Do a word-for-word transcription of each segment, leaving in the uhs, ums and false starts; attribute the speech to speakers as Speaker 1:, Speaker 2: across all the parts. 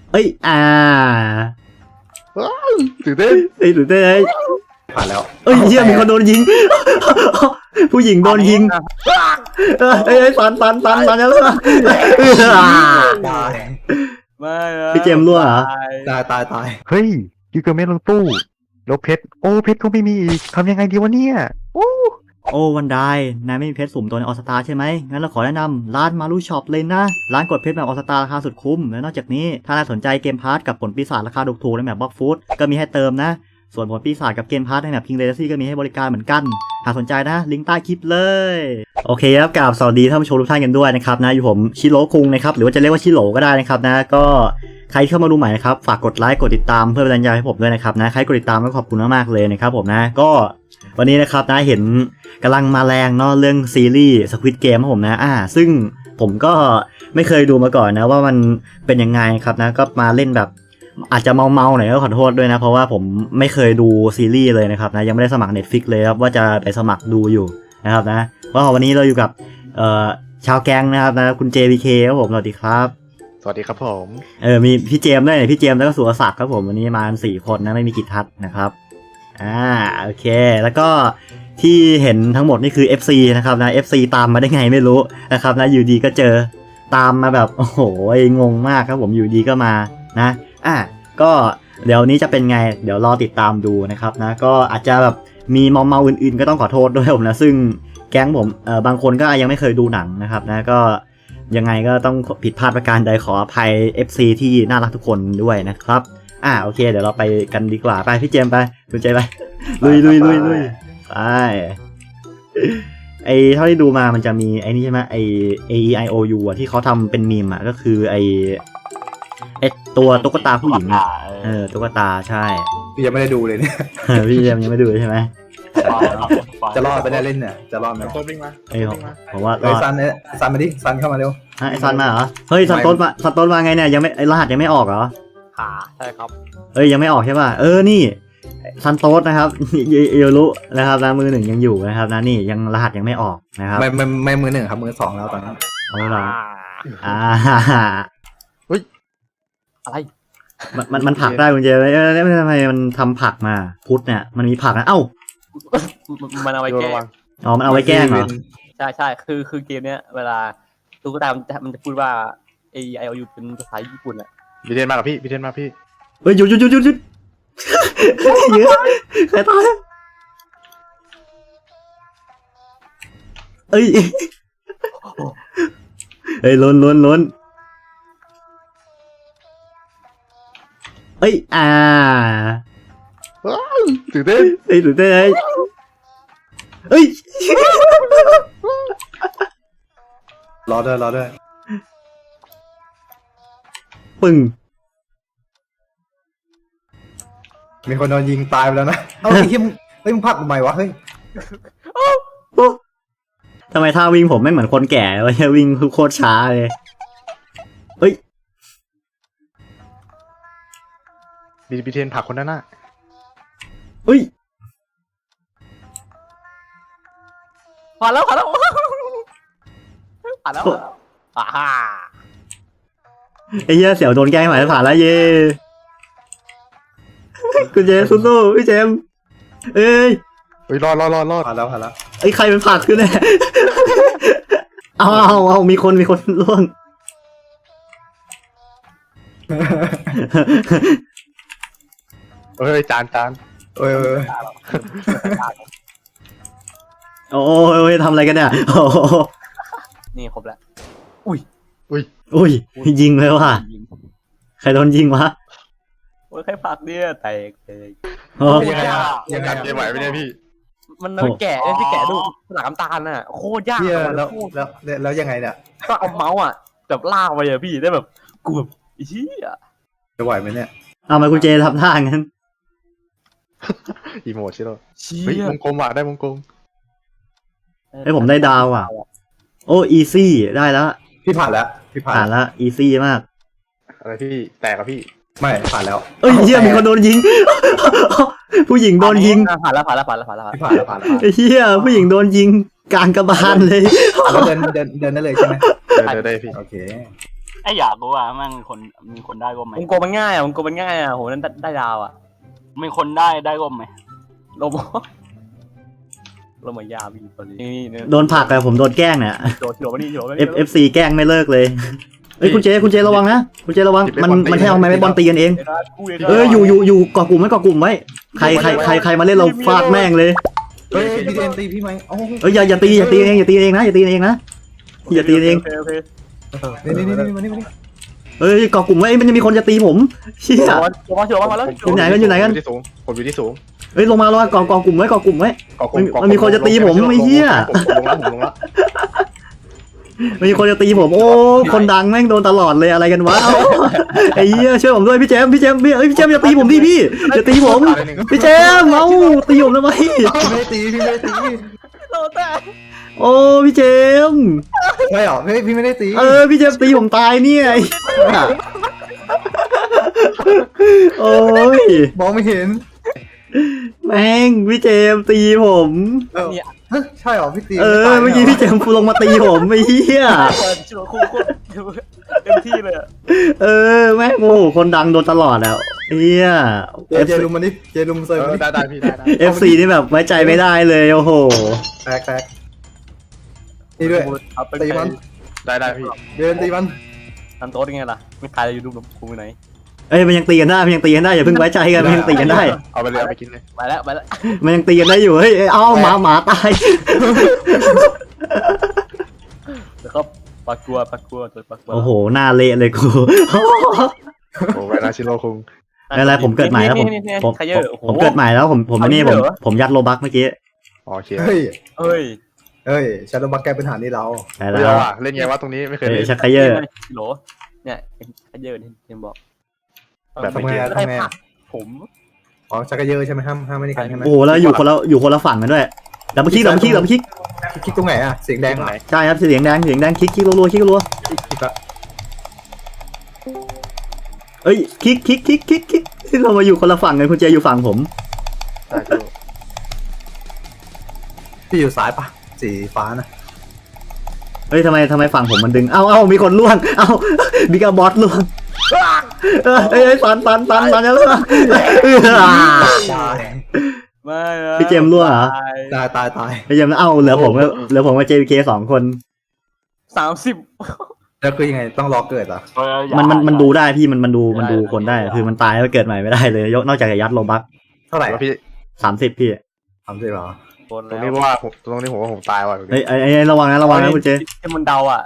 Speaker 1: เอ้ยอ่า
Speaker 2: ตื่นเต้น
Speaker 1: เอ้ยตื่นเต้นเอ้ย
Speaker 3: ผ่านแล้ว
Speaker 1: เอ้ยเฮียมีคนโดนยิง ผู้หญิงโดนยิงเอ้ยเอ้ยฟันฟันฟันฟันแล้วเออ
Speaker 3: ตาย
Speaker 4: ไม่นะ
Speaker 1: พี่เจมส์รั่วเหรอ
Speaker 3: ตายตายตาย
Speaker 2: เฮ้ยยูเกอร์เมนลงตู้แล้วเพชรโอ้เพชรก็ไม่มีอีกทำยังไงดีวะเนี่ยโอ้
Speaker 1: โอ้วันได้นายไม่มีเพชรสุ่มตัวในออสตาใช่ไหมงั้นเราขอแนะนำร้านมารูช็อปเลยนะ ร้านกดเพชรแบบออสตาราคาสุดคุ้ม และนอกจากนี้ถ้านายสนใจเกมพาร์ทกับผลปีศาจราคาถูกๆในแบบบล็อกฟูดก็มีให้เติมนะ ส่วนผลปีศาจกับเกมพาร์ทในแบบคิงเลซี่ก็มีให้บริการเหมือนกัน หากสนใจนะ ลิงก์ใต้คลิปเลย โอเคครับกราบสวัสดีท่านผู้ชมทุกท่านกันด้วยนะครับนะอยู่ผมชิโร่คุงนะครับหรือว่าจะเรียกว่าชิโร่ก็ได้นะครับนะก็ใครที่เข้ามาดูใหม่นะครับฝากกดไลค์กดติดตามเพื่อเป็นกำลังใจให้ผมด้วยนะครับนะใครกดติดตามก็ขอบคุณมากๆเลยนะครับผมนะก็วันนี้นะครับนะเห็นกำลังมาแรงเนาะเรื่องซีรีส์ Squid Game ครับผมนะอ่าซึ่งผมก็ไม่เคยดูมาก่อนนะว่ามันเป็นยังไงครับนะก็มาเล่นแบบอาจจะเมาๆหน่อยก็ขอโทษด้วยนะเพราะว่าผมไม่เคยดูซีรีส์เลยนะครับนะยังไม่ได้สมัคร Netflix เลยครับว่าจะไปสมัครดูอยู่นะครับนะก็วันนี้เราอยู่กับเอ่อชาวแก๊งนะครับนะคุณ เจ พี เค ครับผมสวัสดีครับ
Speaker 2: สวัสดีครับผม
Speaker 1: เออมีพี่เจมส์ด้วยพี่เจมส์แล้วก็สุรศักดิ์ครับผมวันนี้มากันสี่คนนะไม่มีกิจทัศน์นะครับอ่าโอเคแล้วก็ที่เห็นทั้งหมดนี่คือ เอฟ ซี นะครับนะ เอฟ ซี ตามมาได้ไงไม่รู้นะครับนะอยู่ดีก็เจอตามมาแบบโอ้โหงงมากครับผมอยู่ดีก็มานะอ่ะก็เดี๋ยวนี้จะเป็นไงเดี๋ยวรอติดตามดูนะครับนะก็อาจจะแบบมีมอมเมาอื่นๆก็ต้องขอโทษด้วยผมนะซึ่งแก๊งผมเออบางคนก็ยังไม่เคยดูหนังนะครับนะก็ยังไงก็ต้องผิดพลาดประการใดขออภัย เอฟ ซี ที่น่ารักทุกคนด้วยนะครับอ่าโอเคเดี๋ยวเราไปกันดีกว่าไปพี่เจมส์ไปคุณเจไปลุยลุยลุยลุยไปไอเท่าที่ดูมามันจะมีไอนี่ใช่ไหมไอ A E I O U อ่ะที่เขาทำเป็นมีมอ่ะก็คือไอไอตัวตุ๊กตาผู้หญิงอ่ะเออตุ๊กตาใช่
Speaker 3: พี่ยังไม่ได้ดูเลยเนี่ย
Speaker 1: พี่เจมส์ยังไม่ดูใช่ไหม
Speaker 3: จะรอดไปได้เล่นเนี่ยจะรอดไหม
Speaker 2: ต้นวิ่งมา
Speaker 1: เอ้ยผมผมว่าร
Speaker 3: ไอ้
Speaker 1: อด
Speaker 3: ซันเนี่ยซันมาดิซันเข้ามาเร็ว
Speaker 1: ฮะไอซันมาเหรอเฮ้ยซันต้นมาซันต้นมาไงเนี่ยยังไม่ไอรหัสยังไม่ออกเหรอ
Speaker 4: ขาใช่ครับ
Speaker 1: เอ้ยยังไม่ออกใช่ป่ะเออนี่ซันโตสนะครับเยเอรุนะครับนะมือหนึ่งยังอยู่นะครับนะนี่ยังรหัสยังไม่ออกนะครับ
Speaker 3: ไม่ไม่ไม่มือหนึ่งครับมือสองแล้วตอนนี้
Speaker 1: เอาละอ่า
Speaker 4: อะไร
Speaker 1: มันมันมันผักได้คุณเจไหมเออแล้วทำไมมันทำผักมาพุทธเนี่ยมันมีผักนะเอ้า
Speaker 4: มันเอาไว้แก้
Speaker 1: อ๋อมันเอาไว้แกล้งเหรอ
Speaker 4: ใช่ใช่คือคือเกมเนี้ยเวลาตุ๊กตามันจะมันจะพูดว่า A I O U เป็นภาษาญี่ปุ่นอ่ะ
Speaker 2: พี่เทนมากับพี่พี่เทนมาพี่
Speaker 1: เฮ้ยหยุดหยุดหยุดหยุดหยุดเยอะใครตายเอ้ยเอ้ยล้นล้นล้นเอ้ยอ่า
Speaker 2: ตื่นเต้น
Speaker 1: เอ้ยตื่นเต้นเอ้ยเอ้ย
Speaker 3: รอด้วยรอด้วย
Speaker 1: ปึ้ง
Speaker 3: มีคนโดนยิงตายไปแล้วนะเอ้าไอ้เหี้ยมึงเฮ้ยมึงพักทำไมวะเฮ้ย
Speaker 1: ทำไมท่าวิ่งผมไม่เหมือนคนแก่วะวิ่งโคตรช้าเลยเอ้ย
Speaker 2: พี่พี่เทนผลักคนนั้นน่ะ
Speaker 1: เอ้ย
Speaker 4: ผ่านแล้วผ่านแล้วผ่านแล้วอ่าฮ่า
Speaker 1: ไอ้เหี้ยเสี่ยวโดนแกล้งหมายผ่านแล้วเย่คุณเจมส์สู้ๆพี่เจมส์เอ้ย
Speaker 2: เฮ้ยรอดรอดรอดรอด
Speaker 3: ผ่านแล้วผ่านแล้ว
Speaker 1: ไอ้ใครเป็นผักขึ้นเนี่ยเอาเอาเอามีคนมีคนร่วง
Speaker 2: เฮ้ยจานจาน
Speaker 3: เอ้ยเอ้ย
Speaker 1: โอ้ยทำอะไรกันเนี่ยโอ้
Speaker 4: นี่ครบแล้ว
Speaker 2: อุ้ย
Speaker 1: อุ้ยยิงเลยว่ะใครโดนยิงวะ
Speaker 4: โอ้ยใครผักเนี่ยแตกแตก
Speaker 1: โอ้
Speaker 3: ยังไงอะ
Speaker 2: ยังการเกมไหวไหมเนี่ยพี่
Speaker 4: มันมันแกะเนี่ยที่แกะดูหลังน้ำตาลน่ะโคตรยาก
Speaker 3: เหี้ย
Speaker 4: มัน
Speaker 3: แล้ว
Speaker 4: โคตร
Speaker 3: แล้วแล้วยังไงเนี่ย
Speaker 4: ก็เอาเมาส์อ่ะแบบลากไปอะพี่ได้แบบกูแบบอีเหี้ย
Speaker 3: จะไหวไหมเนี่ย
Speaker 1: เอามาคุณเจทำท่างั้น
Speaker 2: อีโมดใช่หรอ
Speaker 4: เชี่
Speaker 2: เฮ้ย
Speaker 4: ยว
Speaker 2: งกลมว่ะได้วงกลม
Speaker 1: ไอ้ผมได้ดาวอ่ะโอ้อีซี่ได้แล้ว
Speaker 3: พี่ผ่านแล้วพี่ผ่าน
Speaker 1: ผ่าน
Speaker 3: แล้ว
Speaker 1: แล้วอีซี่มาก
Speaker 2: อะไรพี่แตกกับพี่
Speaker 3: ไม่ผ่านแล้ว
Speaker 1: เอ้ยเฮียมีคนโดนยิง ผู้หญิงโดนยิง
Speaker 4: อ่ะผ่านแล้วผ่านแล้วผ่านแล้วผ่านแล้ว
Speaker 3: พี่ผ่านแล้วผ่านแล้ว
Speaker 1: ไอ้เฮียผู้หญิงโดนยิงกลางกระบาลเลย
Speaker 3: แล้วเดินเดินเดินได้เลยใช่ไหม
Speaker 2: เดินเดินได้พี่
Speaker 3: โอเค
Speaker 5: ไอ้อยากรู้ว่ามันคนมีคนได้ร่มไหม
Speaker 4: วงกลมมันง่ายอ่ะวงกลมมันง่ายอ่ะโหนั่นได้ดาวอ่ะ
Speaker 5: มีคนได้ได้ร่มไหม
Speaker 4: ลมลมมายาบีคนนี้นี่
Speaker 1: โดนผลักอะผมโดนแกล้งเนี่ย
Speaker 4: โดดโดดมานี่โดดมา
Speaker 1: F
Speaker 4: นี่
Speaker 1: F C แกล้งไม่เลิกเลยเอ้ยคุณเจคุณเจระวังนะคุณเจระวังมันมันแค่เอาไม้บอลตีกันเองเอออยู่อยู่อยู่เกาะกลุ่มไว้เกาะกลุ่มไว้ใครใครใครใครมาเล่นเราฟาดแม่งเลย
Speaker 3: เฮ้ยพี่เจมตีพี่ไหมโอ้
Speaker 1: เอ้ยอย่าอย่าตีอย่าตีเองอย่าตีเองนะอย่าตีเองนะอย่าตีเอง
Speaker 4: โอเค
Speaker 3: นี่นี่นี่มานี่มานี่
Speaker 1: เอ้ยเกาะกลุ่มไว้มันจะมีคนจะตีผมเชี่ย
Speaker 4: โอเคโชว์มาโชว์มาแล้ว
Speaker 1: อยู่ไหนกันอยู่ไหนกัน
Speaker 2: ผมอยู่ที่สูงผมอยู่ที่สูง
Speaker 1: เอ้ยลงมาลงมาเกาะเกาะกลุ่มไว้เกาะกลุ่มไว้
Speaker 2: เกาะกลุ่
Speaker 1: มันมีคนจะตีผมไอ้เหี้ย
Speaker 2: ผมลงแล้วผมลงแล้ว
Speaker 1: มีคนจะตีผมโอ้คนดังแม่งโดนตลอดเลยอะไรกันวะเอ้าไอ้เหี้ยช่วยผมด้วยพี่เจมส์พี่เจมส์พี่เอ้ยพี่เจมส์อย่าตีผมดิพี่อย่าตีผมพี่เจมส์เอ้าตีผมทำไม
Speaker 3: พี่ไม่ได้ตีพี่ไม่ได้ตี
Speaker 4: โดนแต่
Speaker 1: โอ้พี่เจมส์
Speaker 3: ไม่หรอพี่พี่ไม่ได้ตี
Speaker 1: เออพี่เจมส์ตีผมตายเนี่ยไอ้เหี้ยโอ้ย
Speaker 3: มองไม่เห็น
Speaker 1: แม่งพี่เจมส์ตีผม
Speaker 3: เออใช่หรอพี่ตี
Speaker 1: เออเมื่อกี้พี่เจมส์ลงมาตีผมไอ้เหี้ย
Speaker 4: เปิดโชว์คู่โคตรเต็มที่เลย
Speaker 1: เออแม่งโอ้โหคนดังโดนตลอดอ่ะเฮีย
Speaker 3: เจเจลุมมันนี่เจลุมเซอร์
Speaker 2: เอ
Speaker 3: มัน
Speaker 2: อ
Speaker 3: นี่
Speaker 2: ได้ได้พี่ได้ได้
Speaker 1: เอฟซีนี่แบบไว้ใจไม่ได้เลยโอ้โห
Speaker 3: แตกแตกนี่ด้วย ตีมัน
Speaker 2: ได้ได้พี่
Speaker 3: เดินตีมัน
Speaker 4: ทำโต๊ะยังไงล่ะไม่ตายเลยยูทูบกูไปไหน
Speaker 1: เอ้ยมันยังตีกันได้มันยังตีกันได้อย่าเพิ่งไว้ใจกันมันยังตีกันได้
Speaker 2: เอาไปเลยเอาไปกินเลย
Speaker 4: ไปแล้วไปแล้ว
Speaker 1: มันยังตีกันได้อยู่เฮ้ยเอ้ยเอาหมาหมาตาย
Speaker 4: แล้วก็ปากกลัวปากกลัวตัวปากกลัว
Speaker 1: โอ้โหหน้าเละเลยกู
Speaker 2: โอ้ไวนาชิโร่คุง
Speaker 1: ไม่เป็นไรผมเกิดใหม่แล้วผมผม
Speaker 4: ขยเยอะ
Speaker 1: ผมเกิดใหม่แล้วผมผมไอ้นี่ผมผมยัดโลบักเมื่อกี้
Speaker 2: โอเค
Speaker 3: เฮ้ย
Speaker 4: เฮ้ย
Speaker 3: เฮ้ยชาโดบักแกเป็นฐานนี่เรา
Speaker 1: ได้
Speaker 2: เล่
Speaker 1: แล้ว
Speaker 2: เล่นไงวะตรงนี้ไม่เคย
Speaker 1: เอ้
Speaker 2: เล่
Speaker 1: ย
Speaker 2: น
Speaker 1: ชักไคเยอร์
Speaker 4: โหลเนี่ยขยเยอะที่เจมบอก
Speaker 2: แบบ
Speaker 3: ทำไมอะทำไมอะ
Speaker 4: ผม
Speaker 3: อ๋อชักกะเยอะใช่ไหมห้ามห้ามไม่ได้กันใช่ไหม
Speaker 1: โอ้โหแล้วอยู่คนละอยู่คนละฝั่งกันด้วยดับเบิลคลิกดับเบิลคลิกดับเบิลคลิก
Speaker 3: คลิกตรงไหนอะเสียงแดงเหรอ
Speaker 1: ใช่ครับเสียงแดงเสียงแดงคลิกคลิกรัวๆคลิกรัว
Speaker 3: คลิกอะ
Speaker 1: ๆเอ้ยคลิกคลิกคลิกคลิกคลิกเรามาอยู่คนละฝั่งกันคุณเจอยู่ฝั่งผม
Speaker 2: ได้ชิโร่
Speaker 3: พี่อยู่ซ้ายปะสีฟ้านะ
Speaker 1: เฮ้ยทำไมทำไมฝั่งผมมันดึง เอ้าเอ้ามีคนล่วง เอ้าบิกาบอสล่วงเอ้ยเอ้ยปันปันปันปันจะล่วงเออ
Speaker 3: ตาย
Speaker 4: ไม่นะ
Speaker 1: พี่เจมส์รั่วเหรอ
Speaker 3: ตายตายตาย
Speaker 1: พี่เจมส์เอ้าเหลือผมกับเหลือผมกับ เจ พี เค สองคน
Speaker 4: สามสิบ
Speaker 3: แล้วคือยังไงต้องรอเกิดเหรอ
Speaker 5: เอออย่า
Speaker 1: มันมันมันดูได้พี่มันมันดูมันดูคนได้ คือมันตายแล้วเกิดใหม่ไม่ได้เลยยกนอกจากจะยัดโลบัก
Speaker 3: เท่าไหร่
Speaker 2: แล้วพี่
Speaker 1: สามสิบพี่
Speaker 3: สามสิบเหรอ
Speaker 4: คน
Speaker 2: ตรง
Speaker 4: แล้ว
Speaker 2: นี้เพราะว่าผมตรงนี้ผมว่าผมตายว่ะ
Speaker 1: เฮ้ยไอ้ไอ้ระวังนะระวังนะคุณเจ
Speaker 4: ที่มันเดาอ่ะ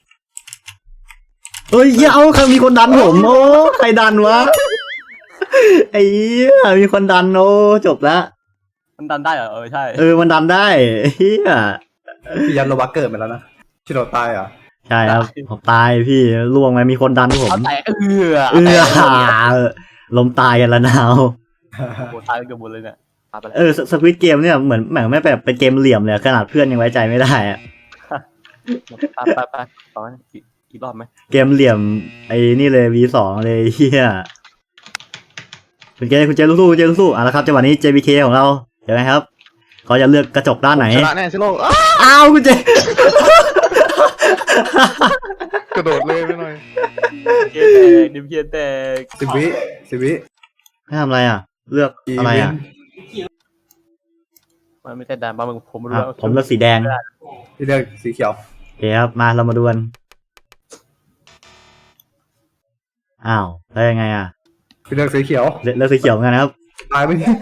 Speaker 1: เฮ้ยเหี้ยเอ้าใครมีคนดันผมโอ้ใครดันวะไอ้เหี้ยมีคนดันโอ้จบละ
Speaker 4: มันดันได้เหรอเออใช่
Speaker 1: เออมันดันได้เฮีย
Speaker 3: พี่ยันโรบักเกิดมาแล้วนะชิโรตายเหรอ
Speaker 1: ใช่ครับผมตายพี่ล่วงไปมีคนดันผม
Speaker 4: เอาแต่เออ
Speaker 1: เออลมตายกันละนาว
Speaker 4: โหตายเกือบหมดเลยเนี่ยตายไปแล้ว
Speaker 1: เออสควิตเกมเนี่ยเหมือนเหมือนไม่แบบเป็นเกมเหลี่ยมเลยขนาดเพื่อนยังไว้ใจไม่ได้อะ
Speaker 4: ไปไปไปต่อไหมอีกอีกรอบไหม
Speaker 1: เกมเหลี่ยมไอ้นี่เลย วี สอง เลยเฮียคุณเจคุณเจสู้ๆคุณเจสู้ๆอ่ะแล้วครับจังหวะนี้ เจ พี เค ของเราเห็นไหมครับเขาจะเลือกกระจกด้านไหน
Speaker 2: ชนะแน่ชิโร่อ้า
Speaker 1: อ้าวคุณเจ
Speaker 2: กระโดดเลยไปหน่อย
Speaker 4: เกียร์แตกดิมเกียร์แตก
Speaker 3: สิบวิสิบวิ
Speaker 1: ให้ทำอะไรอ่ะ เลือกอะไรอ่ะ
Speaker 4: มันไม่ใช่ดันบ้ามึงผมไม่รู้
Speaker 1: อ่ะ
Speaker 4: ว่า
Speaker 1: ผมเลือกสีแดง
Speaker 3: พี่เลือกสีเขียว
Speaker 1: โอเคครับมาเรามาดูกันอ้าวแล้วยังไงอ่ะ
Speaker 3: พี่เลือกสีเขียว
Speaker 1: เลือกเลือกสีเขียวเหมือนกันนะครับ
Speaker 3: ตายไปนี่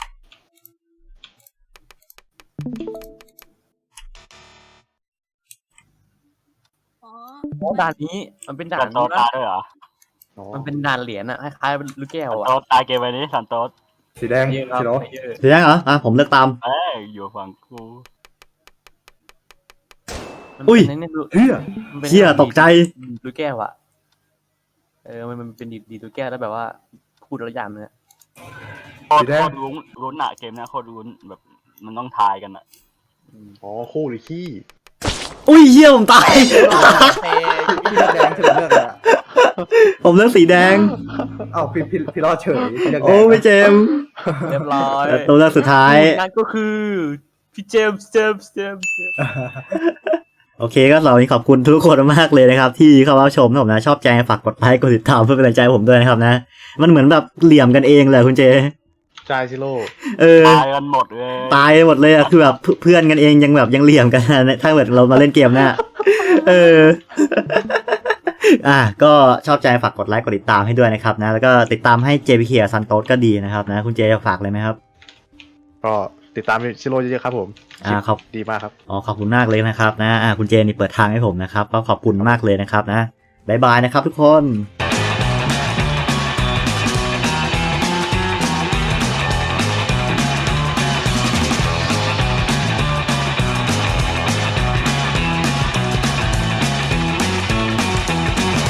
Speaker 4: โอ้ด่านนี้มันเป็นด่า
Speaker 5: สั
Speaker 4: น
Speaker 5: นโตตายด้วยเหรอ
Speaker 4: มันเป็นด่านเหรียญอะคล้ายๆเป็นลูกแก้ว
Speaker 5: สัน
Speaker 4: อะ
Speaker 5: โตตายเกมไปนี้สันโต
Speaker 3: สีแดง
Speaker 4: เยอะครับ
Speaker 3: สีโร
Speaker 4: เยอะ
Speaker 1: สีแดงเหรออ่ะผมเลือกตาม
Speaker 5: เอ้ยอยู่ฝั่งกู
Speaker 1: อุ้ย
Speaker 4: มันเป็น
Speaker 3: เฮ้ย
Speaker 4: มันเป็น
Speaker 1: เชี่ยตกใจ
Speaker 4: ลูกแก้วอะเออมันมันเป็นดีดีลูกแก้วแล้วแบบว่าพูดแล้วยามเนี่ย
Speaker 5: โคตรโคตรลุ้นลุ้นอะเกมเนี้ยโคตรลุ้นแบบมันต้องทายกันอะ
Speaker 2: อ๋อคู่หรือขี้
Speaker 1: อุ้ยเหี้ยผมตาย
Speaker 3: พี่เลือกแดงเฉยเลือกอะไรอะ
Speaker 1: ผมเลือกสีแดง
Speaker 3: เอ้าพี่พี่พี่รอดเฉยพี่เลือกแดง
Speaker 1: โอ้พี่เจมส์
Speaker 4: เรียบร้อย
Speaker 1: แต่ตัวเลือกสุดท้าย
Speaker 4: นั่นก็คือพี่เจมส์เจมส์เจมส์เจมส์
Speaker 1: โอเคก็สำหรับวันนี้ขอบคุณทุกคนมากเลยนะครับที่เข้ามาชมนะผมนะชอบใจฝากกดไลค์กดติดตามเพื่อเป็นกำลังใจให้ผมด้วยนะครับนะมันเหมือนแบบเหลี่ยมกันเองเลยคุณเจ
Speaker 2: จายซิโร่
Speaker 1: เออ
Speaker 5: ตายกันหมดเลย
Speaker 1: ตายหมดเลยอะคือแบบเพื่อนกันเองยังแบบยังเหลี่ยมกันนะถ้าเกิดเรามาเล่นเกมเนี่ยเออ อ่ะก็ชอบใจฝากกดไลค์กดติดตามให้ด้วยนะครับนะแล้วก็ติดตามให้ เจ พี เค ซันโตสก็ดีนะครับนะคุณเจจะฝากเลยไหมครับ
Speaker 2: ก็ติดตามซิโร่เยอะๆครับผม
Speaker 1: อ่าครับ
Speaker 2: ดีมากครับ
Speaker 1: อ๋อขอบคุณมากเลยนะครับนะอ่าคุณเจนี่เปิดทางให้ผมนะครับก็ขอบคุณมากเลยนะครับนะบ๊ายบายนะครับทุกคน